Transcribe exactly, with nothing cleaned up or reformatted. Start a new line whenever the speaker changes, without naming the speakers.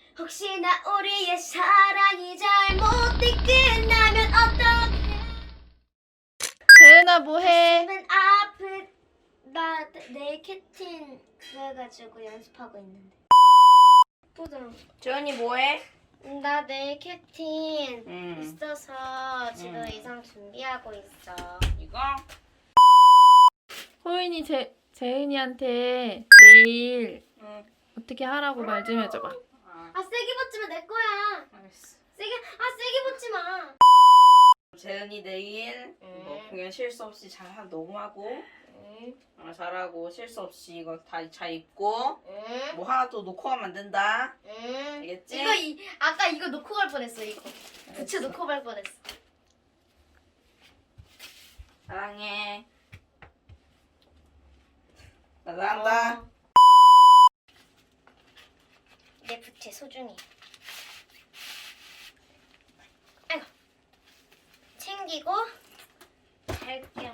혹시나 우리의 사랑이 잘못돼 끝나면 어떡해.
재은아 뭐해?
가슴은 아프. 나 내일 캡틴 그래가지고 연습하고 있는데. 부드러워.
재은이 뭐해?
나 내일 캡틴
응.
있어서 지금
응.
의상 준비하고 있어.
이거?
호인이 재, 재은이한테 내일
응.
어떻게 하라고 말 좀 해줘봐.
아,
아 세게 붙지마 내 거야.
알겠어.
세게 아 세게 붙지 마.
재은이 내일
응.
뭐 공연 실수 없이 잘 하- 녹음하고
응.
어, 잘하고 실수 없이 이거 다 잘 입고
응.
뭐 하나 또 놓고 가면 안 된다.
응.
알겠지?
이거 이 아까 이거 놓고 갈 뻔했어 이거. 부츠 놓고 갈 뻔했어.
사랑해. 나 나간다.
어. 내 부채 소중히. 아이고. 챙기고 갈게.